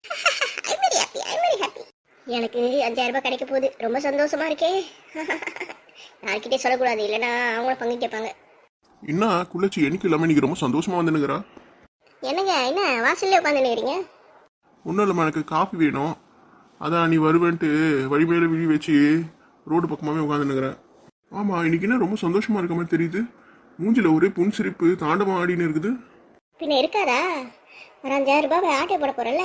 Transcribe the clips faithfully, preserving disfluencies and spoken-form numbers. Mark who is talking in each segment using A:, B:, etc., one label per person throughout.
A: I very happy I very happy. எனக்கு அஞ்சாயிரம் ரூபாய் கிடைக்க போகுது, ரொம்ப சந்தோஷமா இருக்கே. யார்கிட்டே சொல்லக்கூடாது, இல்லைன்னா அவங்களும் பங்கு கேட்பாங்க.
B: என்ன குள்ளச்சி எனக்கு இல்லாமல் இன்னைக்கு ரொம்ப சந்தோஷமா வந்துனுங்கிறா?
A: என்னங்க என்ன வாசல்ல உட்காந்துருக்கிறீங்க?
B: ஒன்றும் இல்லைம்மா, எனக்கு காஃபி வேணும். அதான் நீ வருவேன்ட்டு வழி மேலே விழி வச்சு ரோடு பக்கமாகவே உட்காந்துனுங்கிறேன். ஆமாம், இன்னைக்கு என்ன ரொம்ப சந்தோஷமா இருக்க மாதிரி தெரியுது. மூஞ்சில ஒரே புன்சிரிப்பு தாண்டவம் ஆடின்னு இருக்குது.
A: பின்ன இருக்காதா? ஒரு அஞ்சாயிரம் ரூபாய் ஆட்டோ போட போறல.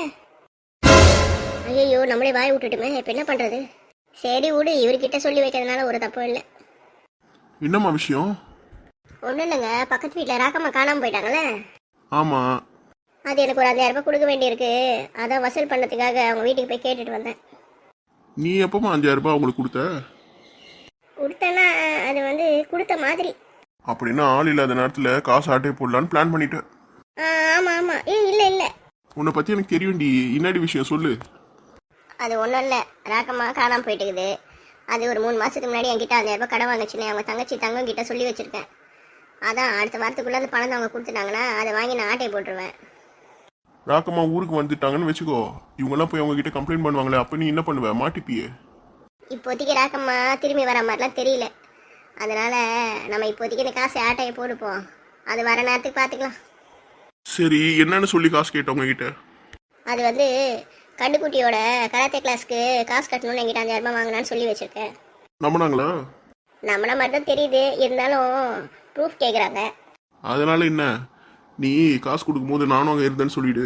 A: ஐயோ, நம்மளே வாய் விட்டுட்டுமே, இப்போ என்ன பண்றது? சரி விடு, இவர்கிட்ட சொல்லி வைக்கிறதுனால ஒரு தப்பும் இல்லை.
B: என்னம்மா விஷயம்?
A: ஒன்றும் இல்லைங்க, பக்கத்து வீட்டில் ராக்கம்மா காணாமல் போயிட்டாங்களே.
B: ஆமாம்.
A: அது எனக்கு ஒரு அஞ்சாயிரம் ரூபாய் கொடுக்க வேண்டியிருக்கு. அதான் வசூல் பண்ணதுக்காக அவங்க வீட்டுக்கு போய் கேட்டுட்டு வந்தேன்.
B: நீ எப்பமா அஞ்சாயிரம் ரூபாய் அவங்களுக்கு கொடுத்த?
A: கொடுத்தேன்னா அது வந்து கொடுத்த மாதிரி.
B: அப்படின்னா ஆள் இல்லாத நேரத்தில் காசு ஆட்டே போடலான்னு பிளான் பண்ணிட்டேன்.
A: ஆமாம் ஆமாம். ஏ இல்லை இல்லை,
B: உன்னை பற்றி எனக்கு தெரியும்டி. இன்னாடி விஷயம் சொல்லு.
A: அது ஒன்றும் இல்லை, ராக்கம்மா காணாமல் போயிட்டுக்குது. அது ஒரு மூணு மாதத்துக்கு முன்னாடி என்கிட்ட அஞ்சாயிரம் ரூபாய் கடன் வாங்கிச்சுன்னு அவங்க தங்கச்சி தங்கம் கிட்ட சொல்லி வச்சுருக்கேன். அதான் அடுத்த வாரத்துக்குள்ளே அந்த பணத்தை அவங்க கொடுத்துட்டாங்கன்னா அதை வாங்கி நான் ஆட்டையை போட்டுருவேன்.
B: ராக்கம்மா ஊருக்கு வந்துட்டாங்கன்னு வச்சுக்கோ, இவங்கெல்லாம் போய் அவங்க கிட்ட கம்ப்ளைண்ட் பண்ணுவாங்களே, அப்போ நீ என்ன பண்ணுவ? மாட்டிப்பியே.
A: இப்போதைக்கு ராக்கம்மா திரும்பி வர மாதிரிலாம் தெரியல. அதனால் நம்ம இப்போதைக்கு இந்த காசை ஆட்டையை போடுப்போம், அது வர நேரத்துக்கு பார்த்துக்கலாம்.
B: சரி, என்னன்னு சொல்லி காசு கேட்டவங்க கிட்ட?
A: அது வந்து கண்டுக்குட்டியோட கராத்தே கிளாஸ்க்கு காசு கட்டணும்னு என்கிட்ட அஞ்சாயிரம் ரூபாய் வாங்கினான்னு சொல்லி வச்சுருக்கேன்.
B: நம்பினாங்களா?
A: நம்மள மாதிரி தான் தெரியுது, இருந்தாலும் ப்ரூஃப் கேட்குறாங்க.
B: அதனால என்ன, நீ காசு கொடுக்கும்போது நானும் அங்கே இருந்தேன்னு சொல்லிடு.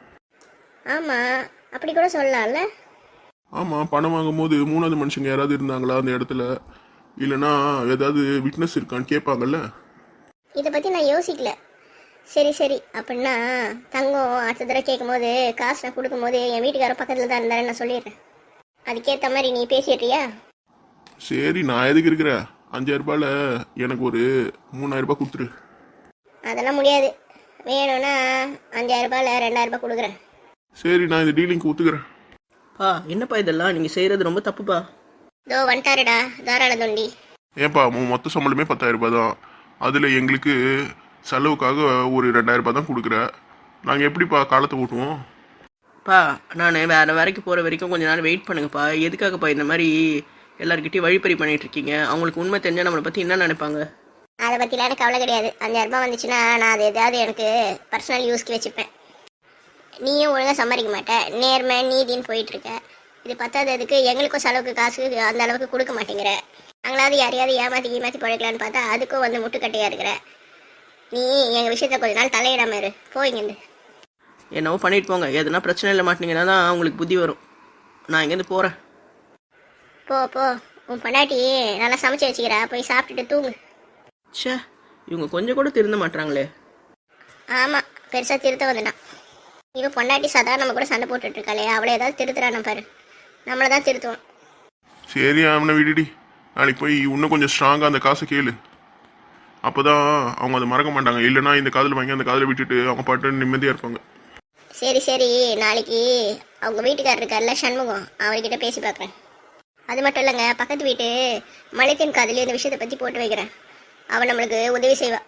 A: ஆமாம், அப்படி கூட சொல்லலாம்ல.
B: ஆமாம், பணம் வாங்கும் போது மூணாவது மனுஷங்க யாராவது இருந்தாங்களா அந்த இடத்துல? இல்லைன்னா ஏதாவது விட்னஸ் இருக்கான்னு கேட்பாங்கல்ல.
A: இதை பற்றி நான் யோசிக்கல. சரி சரி, அப்படின்னா தங்கம் அடுத்த தடவை கேட்கும் போது காசு நான் கொடுக்கும் போது என் வீட்டுக்காரர் பக்கத்தில் தான் இருந்தாரு நான் சொல்லிடுறேன். அதுக்கேற்ற மாதிரி நீ பேசிடுறியா?
B: சரி, நான் எதுக்கு இருக்கிறேன்? அஞ்சாயிரம் ரூபாயில் எனக்கு ஒரு மூணாயிரம் ரூபாய் கொடுத்துரு.
A: அதெல்லாம் முடியாது, வேணும்னா அஞ்சாயிரம் ரூபாயில் ரெண்டாயிரம் ரூபாய் கொடுக்குறேன்.
B: சரி, நான் இந்த டீலிங்க்கு ஒத்துக்கிறேன்.
C: பா என்னப்பா இதெல்லாம் நீங்கள் செய்கிறது ரொம்ப தப்புப்பா.
A: தோ வந்துட்டாருடா தாராள தொண்டி.
B: ஏன்பா, உன் மொத்த சம்பளமே பத்தாயிரம் ரூபாய் தான். அதில் எங்களுக்கு செலவுக்காக ஒரு ரெண்டாயிரம் ரூபாய் தான் கொடுக்குற. நாங்கள் எப்படிப்பா காலத்தை ஓட்டுவோம்?
C: பா நான் வேறு வேலைக்கு போகிற வரைக்கும் கொஞ்ச நேரம் வெயிட் பண்ணுங்கப்பா. எதுக்காகப்பா இந்த மாதிரி எல்லாருக்கிட்டையும் வழிப்பறி பண்ணிட்டு இருக்கீங்க? அவங்களுக்கு உண்மை தெரிஞ்சால் நம்மளை பற்றி என்ன நினைப்பாங்க?
A: அதை பற்றிலாம் எனக்கு கவலை கிடையாது. அஞ்சாயிரம் ரூபாய் வந்துச்சுன்னா நான் அது எதாவது எனக்கு பர்சனல் யூஸ்க்கு வச்சுப்பேன். நீயும் ஒழுங்காக சம்பாதிக்க மாட்டேன், நேர்மை நீதின்னு போயிட்டுருக்க. இது பத்தாததுக்கு எங்களுக்கும் செலவுக்கு காசு அந்த அளவுக்கு கொடுக்க மாட்டேங்கிற. நாங்களாவது யாரையாவது ஏமாற்றி ஏமாற்றி பழைக்கலான்னு பார்த்தா அதுக்கும் வந்து முட்டுக்கட்டையாக இருக்கிற. நீ எங்கள் விஷயத்த கொஞ்ச நாள் தலையிடாம இரு, போயிங்கன்னு.
C: என்னவோ பண்ணிட்டு போங்க, எதுனா பிரச்சனை இல்லை மாட்டினீங்கன்னா தான் அவங்களுக்கு புத்தி வரும். நான் இங்கேருந்து போகிறேன்.
A: போ போ, உன் பொண்டாட்டி நல்லா சமைச்சு வச்சுக்கிறா, போய் சாப்பிட்டுட்டு தூங்கு.
C: ச்சே, இவங்க கொஞ்சம் கூட திருந்த மாட்டாங்களே.
A: ஆமாம், பெருசாக திருத்த வந்துட்டான். இவன் பொண்டாட்டி சதா நம்ம கூட சண்டை போட்டுட்டு இருக்காளே, அவளை ஏதாவது திருத்துறான பாரு. நம்மளை தான் திருத்துவோம்.
B: சரி, அவனை விடுடி. நாளைக்கு போய் இன்னும் கொஞ்சம் ஸ்ட்ராங்காக அந்த காசை கேளு. அப்போ தான் அவங்க அதை மறக்க மாட்டாங்க. இல்லைனா இந்த காதில் வாங்கி அந்த காதில் விட்டுட்டு அவங்க பாட்டு நிம்மதியாக இருப்பாங்க.
A: சரி சரி, நாளைக்கு அவங்க வீட்டுக்காரர் இருக்கார்ல சண்முகம், அவர்கிட்ட பேசி பார்க்குறேன். அது மட்டும் இல்லைங்க, பக்கத்து வீட்டு மலைத்தின் காதலி இந்த விஷயத்தை பற்றி போட்டு வைக்கிறேன். அவன் நம்மளுக்கு உதவி செய்வாள்.